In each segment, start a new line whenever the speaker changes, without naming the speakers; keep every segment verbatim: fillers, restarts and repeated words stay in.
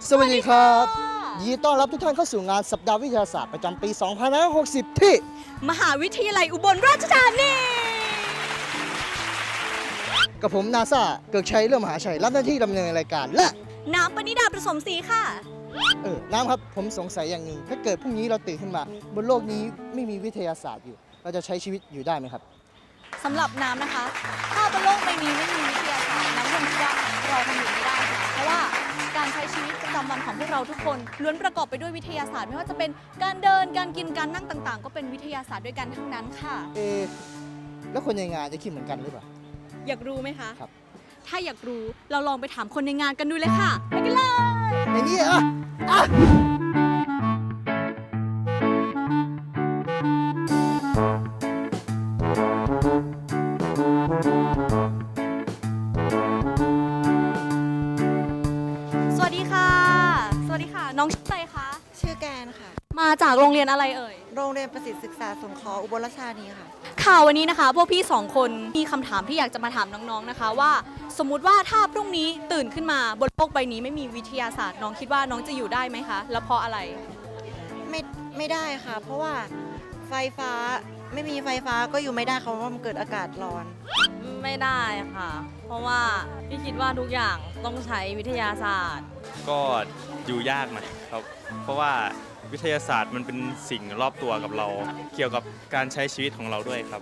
สวัสดีครับยินดีต้อนรับทุกท่านเข้าสู่งานสัปดาห์วิทยาศาสตร์ประจำปี สองพันห้าร้อยหกสิบ ที่
มหาวิทยาลัยอุบลราชธานี
กับผมนาซาเกิกชัยเรื่องมหาชัยรับหน้าที่ดำเนินรายการและ
น้ำปณิดาประสมศรีค่ะ
เออน้ำครับผมสงสัยอย่างหนึ่งถ้าเกิดพรุ่งนี้เราตื่นขึ้นมาบนโลกนี้ไม่มีวิทยาศาสตร์อยู่เราจะใช้ชีวิตอยู่ได้ไหมครับ
สำหรับน้ำนะคะถ้าบนโลกใบนี้ไม่มีวิทยาศาสตร์น้ำคงคิดว่าเราคงอยู่ไม่ได้ค่ะเพราะว่าการใช้ชีวิตประจำวันของพวกเราทุกคนล้วนประกอบไปด้วยวิทยาศาสตร์ไม่ว่าจะเป็นการเดินการกินการนั่งต่างๆก็เป็นวิทยาศาสตร์ด้วยกันทั้งนั้นค่ะ
เอแล้วคนในงานจะคิดเหมือนกันหรือเปล่า
อยากรู้ไหมคะ
ครับ
ถ้าอยากรู้เราลองไปถามคนในงานกันดูเลยค่ะไปกันเลย
ในนี้อ่ะอ่ะ
สวัสดีค่ะสวัสดีค่ะน้องชื่ออะไรคะ
ชื่อแกนค่ะ
มาจากโรงเรียนอะไรเอ่ย
โรงเรียนประสิทธิศึกษาสงเคราะห์อุบลราชธานีค่ะ
ค่ะวันนี้นะคะพวกพี่สองคนมีคำถามที่อยากจะมาถามน้องๆนะคะว่าสมมุติว่าถ้าพรุ่งนี้ตื่นขึ้นมาบนโลกใบนี้ไม่มีวิทยาศาสตร์น้องคิดว่าน้องจะอยู่ได้ไหมคะแล้วเพราะอะไร
ไม่ไม่ได้ค่ะเพราะว่าไฟฟ้าไม่มีไฟฟ้าก็อยู่ไม่ได้เพราะว่ามันเกิดอากาศร้อน
ไม่ได้ค่ะเพราะว่าพี่คิดว่าทุกอย่างต้องใช้วิทยาศาสตร์
ก็อยู่ยากนะครับเพราะว่าวิทยาศาสตร์มันเป็นสิ่งรอบตัวกับเราเกี่ยวกับการใช้ชีวิตของเราด้วยครับ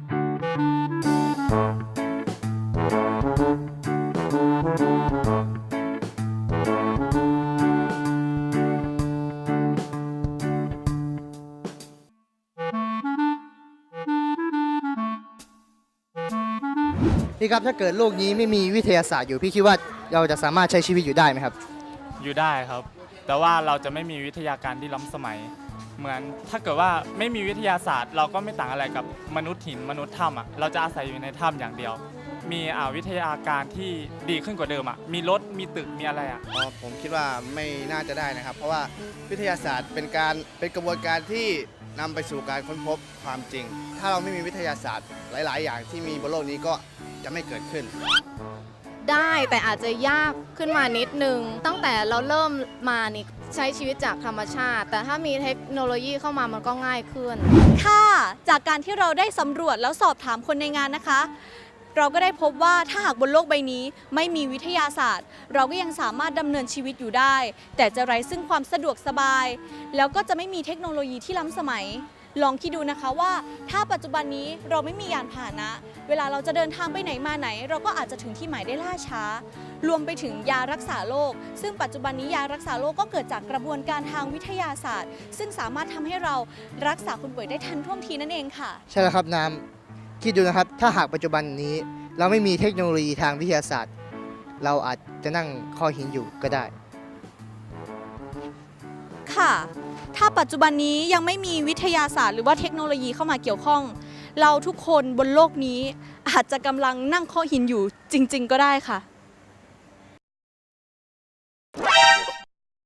พี่ครับถ้าเกิดโลกนี้ไม่มีวิทยาศาสตร์อยู่พี่คิดว่าเราจะสามารถใช้ชีวิตอยู่ได้ไหมครับ
อยู่ได้ครับแต่ว่าเราจะไม่มีวิทยาการที่ล้ำสมัยเหมือนถ้าเกิดว่าไม่มีวิทยาศาสตร์เราก็ไม่ต่างอะไรกับมนุษย์หินมนุษย์ถ้ำอ่ะเราจะอาศัยอยู่ในถ้ำอย่างเดียวมีอ่าวิทยาการที่ดีขึ้นกว่าเดิมอ่ะมีรถมีตึกมีอะไรอ่ะ
ผมคิดว่าไม่น่าจะได้นะครับเพราะว่าวิทยาศาสตร์เป็นการเป็นกระบวนการที่นำไปสู่การค้นพบความจริงถ้าเราไม่มีวิทยาศาสตร์หลายๆ อย่างที่มีบนโลกนี้ก็จะไม่เกิดขึ้น
ได้แต่อาจจะยากขึ้นมานิดนึงตั้งแต่เราเริ่มมานี่ใช้ชีวิตจากธรรมชาติแต่ถ้ามีเทคโนโลยีเข้ามามันก็ง่ายขึ้น
ค่ะจากการที่เราได้สำรวจแล้วสอบถามคนในงานนะคะเราก็ได้พบว่าถ้าหากบนโลกใบนี้ไม่มีวิทยาศาสตร์เราก็ยังสามารถดำเนินชีวิตอยู่ได้แต่จะไร้ซึ่งความสะดวกสบายแล้วก็จะไม่มีเทคโนโลยีที่ล้ำสมัยลองคิดดูนะคะว่าถ้าปัจจุบันนี้เราไม่มียานพาหนะเวลาเราจะเดินทางไปไหนมาไหนเราก็อาจจะถึงที่หมายได้ล่าช้ารวมไปถึงยารักษาโรคซึ่งปัจจุบันนี้ยารักษาโรคก็เกิดจากกระบวนการทางวิทยาศาสตร์ซึ่งสามารถทำให้เรารักษาคนป่วยได้ทันท่วงทีนั่นเองค่ะ
ใช่แล้วครับน้ำคิดดูนะครับถ้าหากปัจจุบันนี้เราไม่มีเทคโนโลยีทางวิทยาศาสตร์เราอาจจะนั่งคอหินอยู่ก็ได้
ค่ะถ้าปัจจุบันนี้ยังไม่มีวิทยาศาสตร์หรือว่าเทคโนโลยีเข้ามาเกี่ยวข้องเราทุกคนบนโลกนี้อาจจะกำลังนั่งคอหินอยู่จริงๆก็ได้ค่ะ